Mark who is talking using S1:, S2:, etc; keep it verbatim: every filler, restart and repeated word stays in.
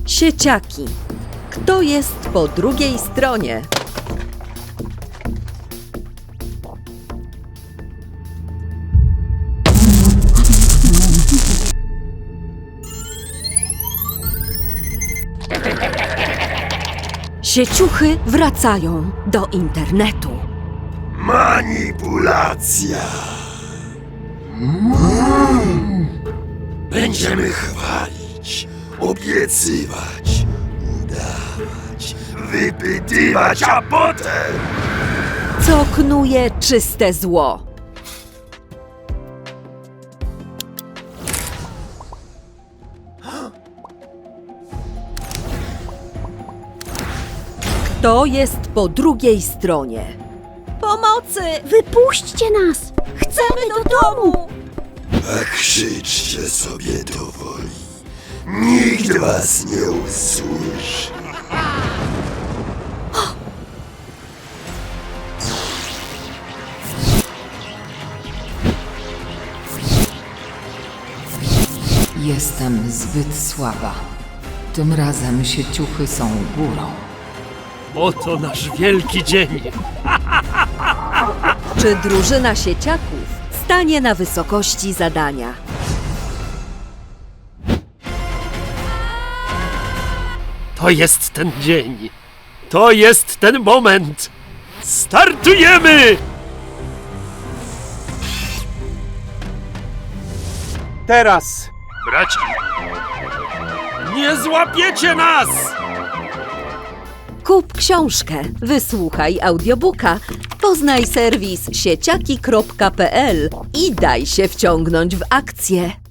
S1: Sieciaki. Kto jest po drugiej stronie? Sieciuchy wracają do internetu.
S2: Manipulacja. Będziemy chwalić, obiecywać, udawać, wypytywać, a potem...
S1: Co knuje czyste zło? Kto jest po drugiej stronie? Pomocy!
S3: Wypuśćcie nas! Chcemy do domu!
S2: A krzyczcie sobie do woli. Nikt was nie usłyszy.
S4: Jestem zbyt słaba. Tym razem sieciuchy są górą.
S5: Oto nasz wielki dzień.
S1: Czy drużyna sieciaków stanie na wysokości zadania?
S5: To jest ten dzień. To jest ten moment. Startujemy!
S6: Teraz!
S5: Braci, nie złapiecie nas!
S1: Kup książkę, wysłuchaj audiobooka, poznaj serwis sieciaki kropka p l i daj się wciągnąć w akcję.